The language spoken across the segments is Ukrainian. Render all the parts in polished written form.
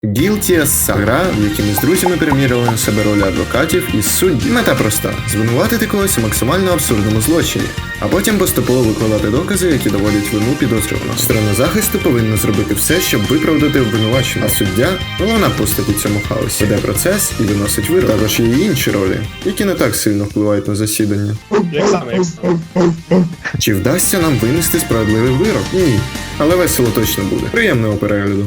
Guilty as Sun – гра, в якій ми з друзями перемірювали на себе ролі адвокатів і суддів. Мета проста – звинуватити когось у максимально абсурдному злочині, а потім поступово викладати докази, які доводять вину підозрюваного. Сторона захисту повинна зробити все, щоб виправдати обвинувачення, а суддя – головна постать у цьому хаосі. Веде процес і виносить вирок. Також є і інші ролі, які не так сильно впливають на засідання. Як саме? Чи вдасться нам винести справедливий вирок? Ні. Але весело точно буде. Приємного перегляду.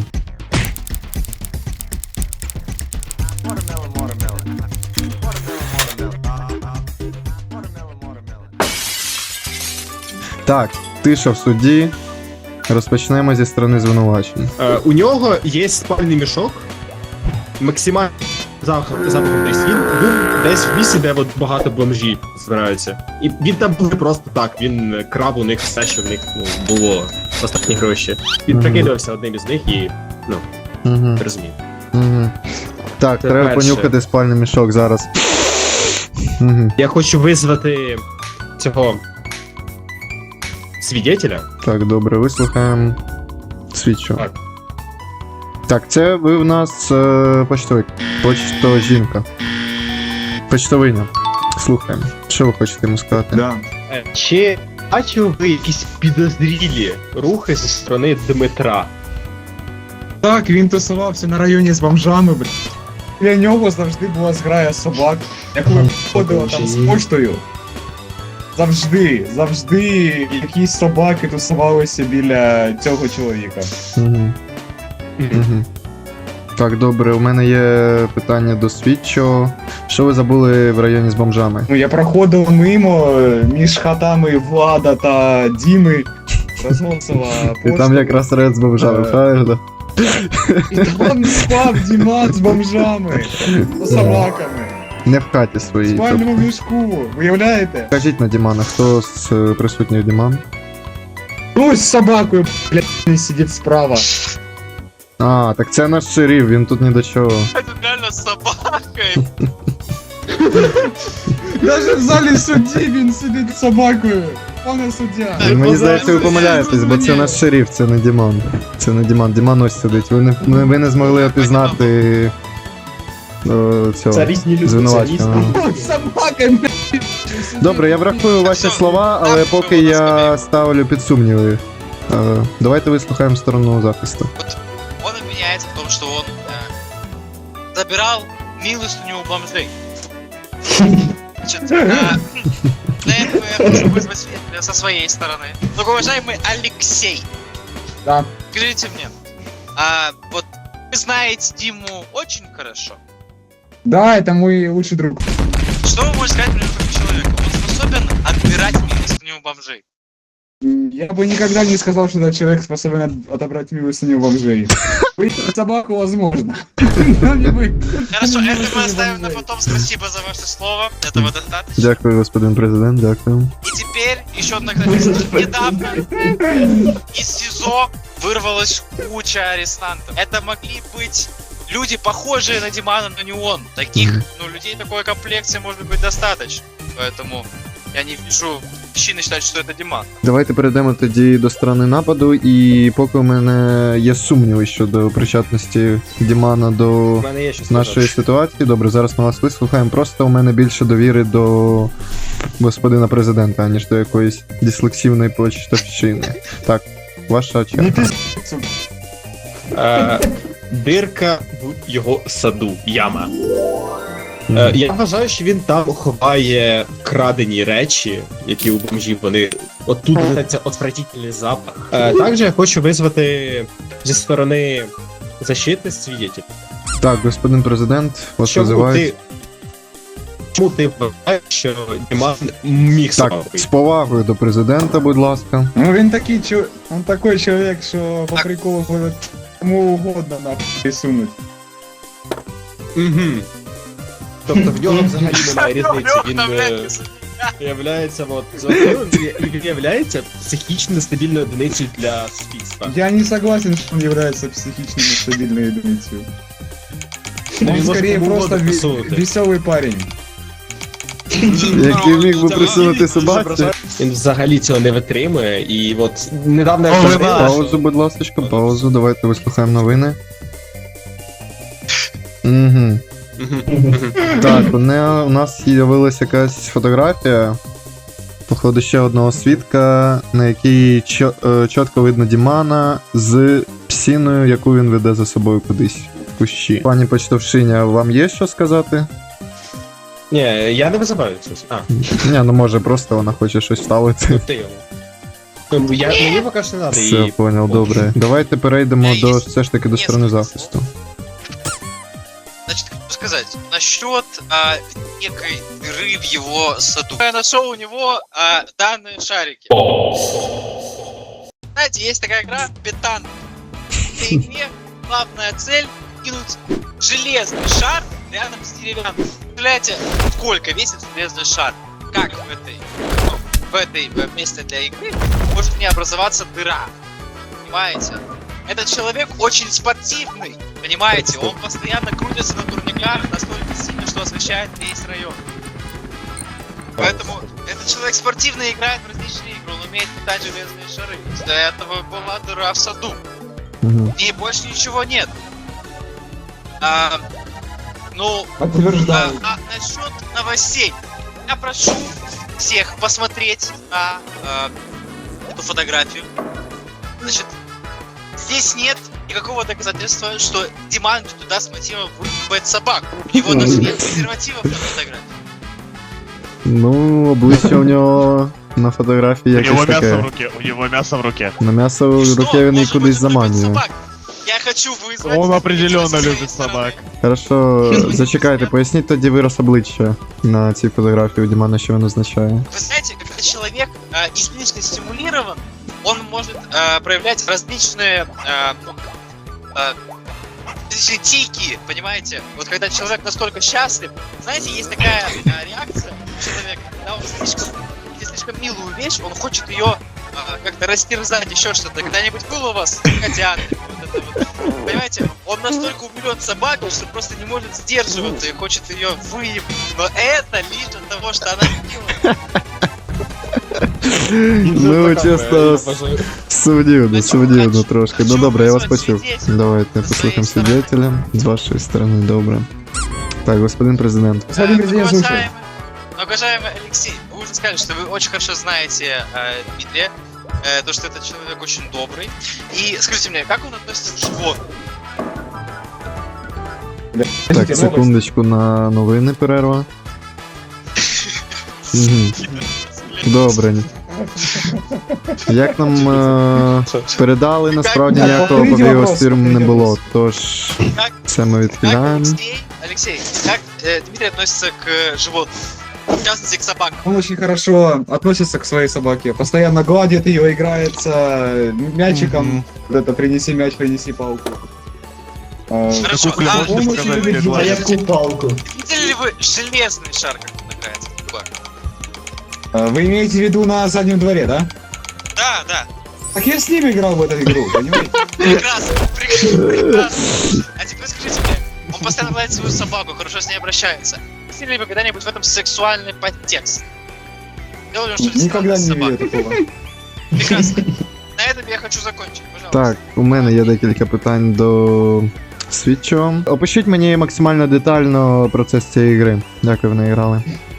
Так, тиша в суді. Розпочнемо зі сторони звинувачень. У нього є спальний мішок. Максимально запахом десь. Він був десь в місці, де от багато бомжів збираються. І він там був не просто так, він крав у них все, що в них було останні гроші. Він прикидувався одним із них і, Угу. розумів. Угу. Так, Це треба перше. понюхати спальний мішок зараз. Угу. Я хочу визвати цього свідетеля. Так, добре, вислухаємо свідчого. Так. Так, це ви в нас почтовик. Почтова жінка. Почтовиня. Слухаємо. Що ви хочете йому сказати? Да. Чи бачив ви якісь підозрілі рухи зі сторони Дмитра? Так, він тусувався на районі з бомжами, блядь. Для нього завжди була зграя собак, яку ходила там з поштою. Завжди якісь собаки тусувалися біля цього чоловіка. Угу. Угу. Так, добре, у мене є питання до слідчого. Що ви забули в районі з бомжами? Ну, я проходив мимо між хатами Влада та Діми, розносила І пошту. там якраз ред з бомжами, правильно? І там спав Діман з бомжами, з собаками. Не в хаті В своїй. спальному мішку, виявляєте? Кажіть на Дімана, хто з присутніх Діман? Ну, з собакою, блядь, сидить справа. А, так це наш шериф, він тут ні до чого. Это реально с собакой. Даже в залі судді він сидить з собакою. Пане суддя. Мені здається, ви помиляєтесь, бо це наш шериф, це не Діман. Це не Діман, Діман ось сидить. Ви не змогли опізнати цього Це різні люди, це звинуваченого. різні. З собакою, блядь. Добре, я врахую ваші слова, але поки я ставлю під сумніви. Давайте вислухаємо сторону захисту. Он обвиняется в том, что он забирал милостыню у бомжей. Значит, для этого я хочу вызвать свидетеля со своей стороны. Многоуважаемый Алексей, Да. скажите мне, вот вы знаете Диму очень хорошо. Да, это мой лучший друг. Что вы можете сказать мне про человека? Он способен отбирать милостыню у бомжей. Я бы никогда не сказал, что этот человек способен отобрать милостыню у бомжей. Выйти собаку возможно. Но не вы. Хорошо, это мы Милостыню оставим на бомжей. потом. Спасибо за ваше слово. Этого достаточно. Дякую, господин президент, дякую. И теперь еще одна графика. Недавно из СИЗО вырвалась куча арестантов. Это могли быть люди, похожие на Димана, но не он. Таких, людей такой комплекции может быть достаточно. Поэтому я не вижу причины считать, что это Диман. Давайте перейдемо тоді до сторони нападу, і поки у мене є сумніви щодо причетності Дімана до У мене є щось нашої ситуації. Добре, зараз ми вас вислухаємо. Просто у мене більше довіри до господина президента, аніж до якоїсь дислексивної почтовщини. Так, ваша черга. Не пизд, сука. Дирка в його саду, яма. Я вважаю, що він там ховає крадені речі, які у бомжів вони. Отут цей отвратительний запах. Також я хочу визвати зі сторони защити свідетель. Так, господин президент, вас Чому визивають. ти вважаєш, що Діман міг Так, себе з повагою до президента, будь ласка. Ну він такий он такой человек, що по приколу ходить кому угодно нахуй сунуть. Угу. Тобто в нього взагалі немає різниці. Він Вдохновляйтесь. являється він являється психічно нестабільною одиницею для суспільства. Я не согласен, что он является психично нестабильной единицей. Він Он може скорее кому просто угодно посунути. веселый парень. Який міг би присунути собаці. Він взагалі цього не витримує, і от недавно я Паузу, будь ласка, паузу, давайте вислухаємо новини. Угу. Мгм. Так, у нас з'явилася якась фотографія. Походу, ще одного свідка, на якій чітко видно Дімана з псіною, яку він веде за собою кудись в кущі. Пані почтовшиня, вам є що сказати? Ні, я не визиваю щось. А, Ні, ну може просто вона хоче щось ставити. ти його. Мені поки що не треба Все, її. понял, добре. Давайте перейдемо Я до є. все ж таки до сторони захисту. Значит, хочу сказать, насчет некой дыры в его саду. Я нашел у него данные шарики. Знаете, есть такая игра Петан. В этой игре главная цель кинуть железный шар рядом с деревянным. Представляете, сколько весит железный шар? Как в этой месте для игры может не образоваться дыра? Понимаете? Этот человек очень спортивный, понимаете? Он постоянно крутится на турниках настолько сильно, что освещает весь район. Поэтому этот человек спортивно играет в различные игры, он умеет метать железные шары. Для этого была дыра в саду. Угу. И больше ничего нет. Ну, Подтверждаю. насчет новостей. Я прошу всех посмотреть на эту фотографию. Значит, здесь нет никакого доказательства, что Диман туда с мотивом выебать собак. У него даже нет презервативов на фотографии. Ну, обличчя у нього на фотографії У него якесь мясо в таке. руке, у него мясо в руке. На м'ясо И в что? руке він її Может быть, кудись он любит заманює. собак? Я хочу вызвать... Он определенно со своей любит стороны. собак. Хорошо, зачекайте, поясніть тоді вираз обличчя на цій фотографії у Дімана, що він означає. Вы знаете, когда человек излишне стимулирован, он может проявлять различные различные тики, понимаете? Вот когда человек настолько счастлив, знаете, есть такая реакция у человека, когда он видит слишком милую вещь, он хочет ее как-то растерзать, еще что-то. Когда-нибудь было у вас котята? Вот это вот. Понимаете, он настолько умилен собакой, что просто не может сдерживаться и хочет ее выебать. Но это лишь от того, что она милая. Ну, чесно, сумнівно трошки. Ну Хочу добре, я вас вызвать почув. свидетеля. Давайте послухаємо свидетеля з вашої сторони, добре. Так, господин президент. Господин президент, слушай. Уважаемый Алексей, вы уже сказали, что вы очень хорошо знаете Дмитрия, то, что этот человек очень добрый. И скажите мне, как он относится к животным? Так, секундочку на новини перерва. Мгм. Добре. Як нам передали, насправді Так, ніякого повторіть побігу вопрос, з фірм не повторіть було, вопрос. тож Как, це ми как відхиляємо. Алексей, как Дмитрий относится к животным? В частности, к собакам. Он очень хорошо относится к своей собаке, постоянно гладит ее, играется мячиком. Вот это принеси мяч, принеси палку. Хорошо, Какую а можно он сказать, очень любит как гладить. видели ли вы железный шар, как он играется в собак? Вы имеете в виду на заднем дворе, да? Да, да. Так я с ним играл в эту игру, понимаете? Прекрасно, прекрасно. А теперь скажите мне, он постоянно гладит свою собаку, хорошо с ней обращается. Видели ли вы когда-нибудь в этом сексуальный подтекст? Делали он что-то Никогда странное не с видел собакой? такого. Прекрасно. На этом я хочу закончить, пожалуйста. Так, у мене є декілька питань до слідчого. Опишіть мені максимально детально процес цієї гри. Як ви в неї грали?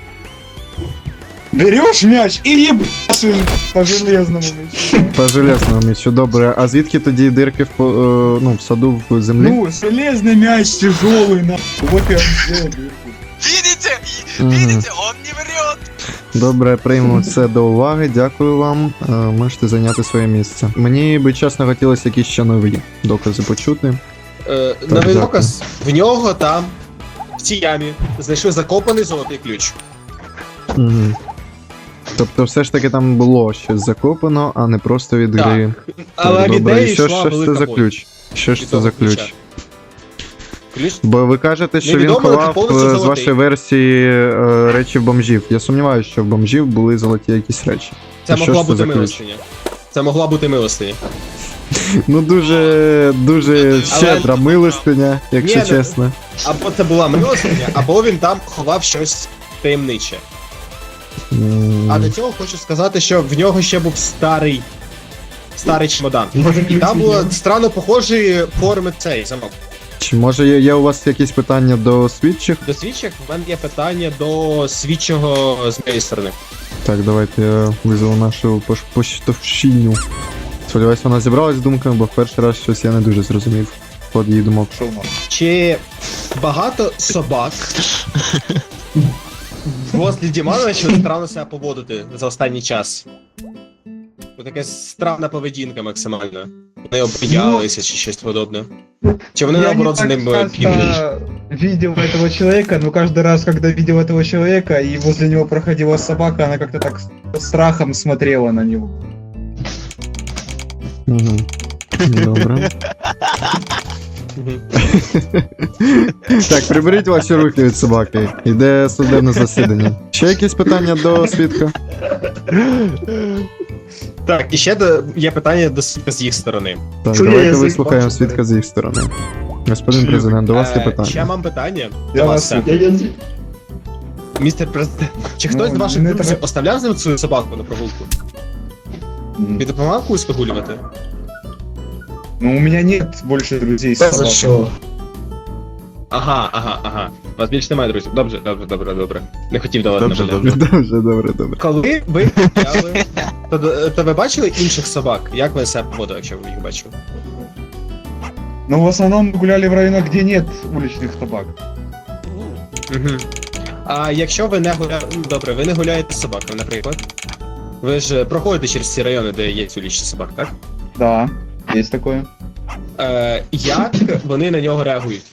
Берешь мяч и ебашишь по железному мячу. По железному м'ячу, добре. А звідки тоді дирки в саду в землі? Ну, железный мяч тяжелый, на. Вот я вам сделал дырку. Видите? Мгм. Видите? Он не врет. Добре, прийму це до уваги, дякую вам. Можете зайняти своє місце. Мені би чесно хотілося якісь ще нові докази почути. Новий дякую. доказ. В нього там, в цій ямі, знайшли закопаний золотий ключ. Угу. Тобто все ж таки там було щось закопано, а не просто від Так. гри. Але від добре, неї і що йшла ж це велика за боль. ключ? Що ж Від це того за ключ? ключа. Ключ? Бо ви кажете, що він Невідомо, але ховав повністю з золотий. вашої версії речі в бомжів. Я сумніваюся, що в бомжів були золоті якісь речі. Це А що могла ж це бути за ключ? милостиня. Це могла бути милостиня. Ну дуже щедра Але- милостиня, якщо Ні, ну- чесно. Або це була милостиня, або він там ховав щось таємниче. А до цього хочу сказати, що в нього ще був старий чемодан. І там було странно похожі форми цей замок. Чи може є у вас якісь питання до свідчих? До свідчих в мене є питання до свідчого з моєї сторони. Так, давайте я визову нашу поштовщиню. Сподіваюсь, вона зібралась з думками, бо в перший раз щось я не дуже зрозумів. Ход її думок. Що в нас? Чи багато собак возле Дімана почали странно себе поводити за останній час? Ось така странна поведінка максимально. Вони обіялися чи щось подобне. Чи вони наоборот за ним бігли? Видел этого человека, но каждый раз, когда видел этого человека и возле него проходила собака, она как-то так с страхом смотрела на него. Угу. Добре. Так, приберіть ваші руки від собаки. Іде судебне засідання. Ще якісь питання до свідка? Так, і ще є питання до свідка з їх сторони. Так, Чує давайте язик, вислухаємо бачите? свідка з їх сторони. Господин президент, до вас є Ще питання. mam питання Я до вас вас. Містер президент, чи хтось з ваших не друзів треба. оставляв з ним свою собаку на прогулку? Він допомагав когось вигулювати? Ну, у меня нет больше друзей с собакой. Ага. У вас більше немає друзів. Добре. Не хотів давати на жаль. Добре. Коли ви гуляли, то ви бачили інших собак? Як ви себе поводили, якщо ви їх бачили? Но в основном мы гуляли в районах, где нет уличных собак. Угу. А якщо ви не гуляєте... Добре, ви не гуляєте з собаками, наприклад. Ви ж проходите через ці райони, де є улічні собак, так? Да, есть такое. Як вони на нього реагують?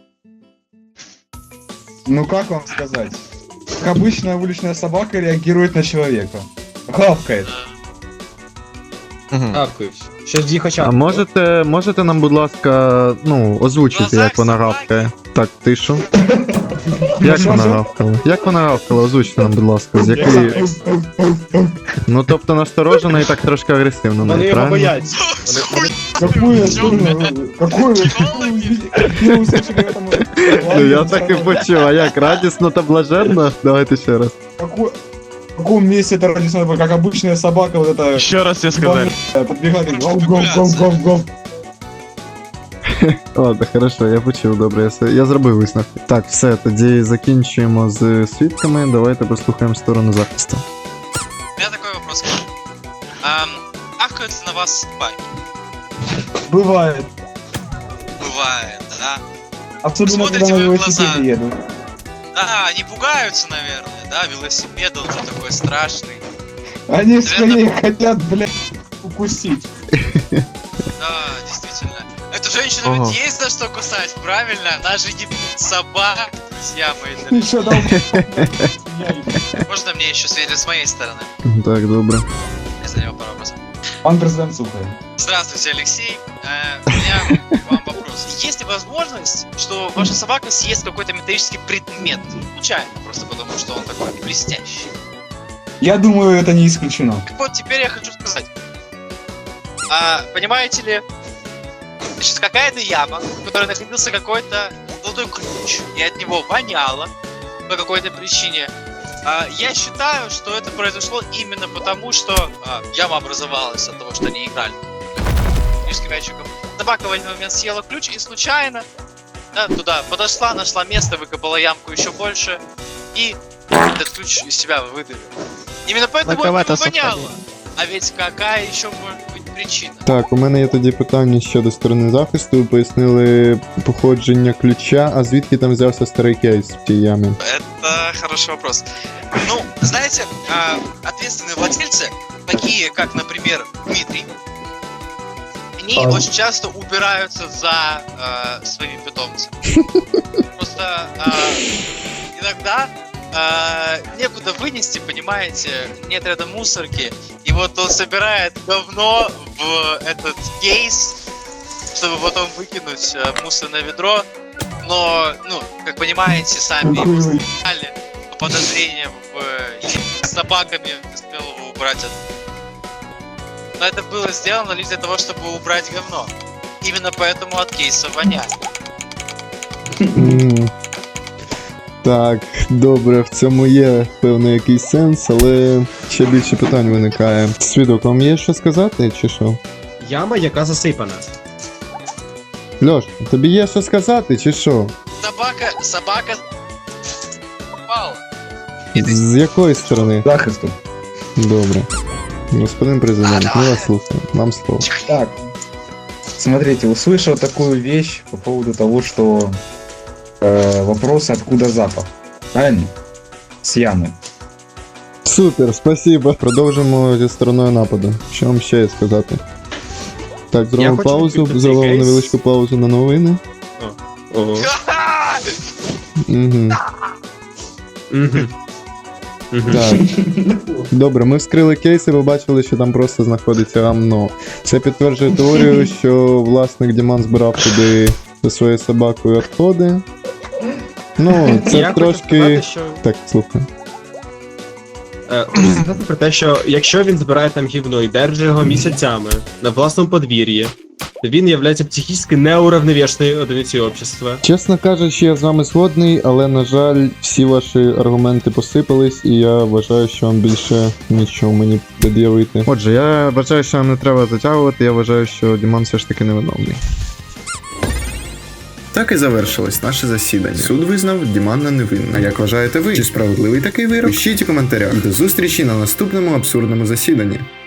Ну как вам сказать? Как обычная уличная собака реагирует на человека. Гавкает. Гавкають. Щось їх очах. А можете нам, будь ласка, озвучити, як вона гавкає? Так, тишу. Як вона гавкала? Як вона гавкала? Озвучте нам, будь ласка, з якої... Ну, тобто насторожено і так трошки агресивно, Вони його правильно? бояться. Какую Какую вы услышали в этом? Ну, я так і почув, а як, радісно та блаженно? Давайте ще раз. В каком месте это радисно, как обычная собака, вот это... Еще раз тебе сказали. Подбегает и гав-гав-гав-гав-гав. Ладно, хорошо, я почув, добре, я зробив висновки. Так, все, тоді закінчуємо з свідками, давайте послухаємо сторону захисту. У меня такой вопрос к вам. Ахают ли на вас собаки? Бывает. Бывает, да? Особенно, Смотрите когда на в их глаза. велосипеде едут. Да, они пугаются, наверное, да? Велосипед, он же такой страшный. Они скорее хотят, блядь, укусить. Да, действительно. Эту женщину Ага. ведь есть за что кусать, правильно? Она же не собак, друзья мои дорогие. Еще дал. Можно мне еще светить с моей стороны? Так, добре. Я задаю пару вопросов. Пан президент слухає. Здравствуйте, Алексей. У меня к вам вопрос. Есть ли возможность, что ваша собака съест какой-то металлический предмет? Случайно, просто потому что он такой блестящий. Я думаю, это не исключено. Так вот, теперь я хочу сказать. Понимаете ли, значит, какая-то яма, в которой находился какой-то золотой ключ, и от него воняло по какой-то причине. Я считаю, что это произошло именно потому, что яма образовалась от того, что они играли с мячиком. Собака в один момент съела ключ и случайно туда подошла, нашла место, выкопала ямку еще больше и этот ключ из себя выдавила. Именно поэтому это воняло. А ведь какая еще может быть причина? Так, у мене є тоді питання щодо сторони захисту. Ви пояснили походження ключа, а звідки там взявся старий кейс в тій ямі? Это хороший вопрос. Ну, знаете, ответственные владельцы, такие как, например, Дмитрий, они очень часто убираются за своими питомцами. Просто иногда некуда вынести, понимаете, нет рядом мусорки, и вот он собирает говно в этот кейс, чтобы потом выкинуть в мусорное ведро, но, ну, как понимаете, сами его сняли по подозрениям с собаками, успел его убрать. Но это было сделано лишь для того, чтобы убрать говно. Именно поэтому от кейса воняет. Так, добре, в цьому є певний якийсь сенс, але ще більше питань виникає. Свідок, вам є що сказати, чи що? Яма, яка засипана. Льош, тобі є що сказати, чи що? Собака попала. З якої сторони? Захисту. Добре. Господин президент, мы вас слушаем. Вам слово. Так. Смотрите, услышал такую вещь по поводу того, что вопрос, откуда запах. Правильно? С ямы. Супер, спасибо. Продовжимо зі стороною нападу. Що вам ще є сказати? Так, зробимо хочу паузу, відкрити зробимо кейс. невеличку паузу на новини. Ого. Ха-ха! Угу. Мгм. Мгм. Так. Добре, ми вскрили кейс і ви бачили, що там просто знаходиться гамно. Це підтверджує теорію, що власник Діман збирав туди зі своєю собакою відходи. Ну, це Я хочу трошки. сказати, що... Так, слухай. Хочу сказати про те, що якщо він збирає там гівно і держить його місяцями на власному подвір'ї, то він є психічно неуравновішеною одиницею общества. Чесно кажучи, я з вами згодний, але, на жаль, всі ваші аргументи посипались, і я вважаю, що вам більше нічого мені пред'явити. Отже, я вважаю, що нам не треба затягувати, я вважаю, що Діман все ж таки невиновний. Так і завершилось наше засідання. Суд визнав Дімана невинним. А як вважаєте ви? Чи справедливий такий вирок? Пишіть у коментарях. І до зустрічі на наступному абсурдному засіданні.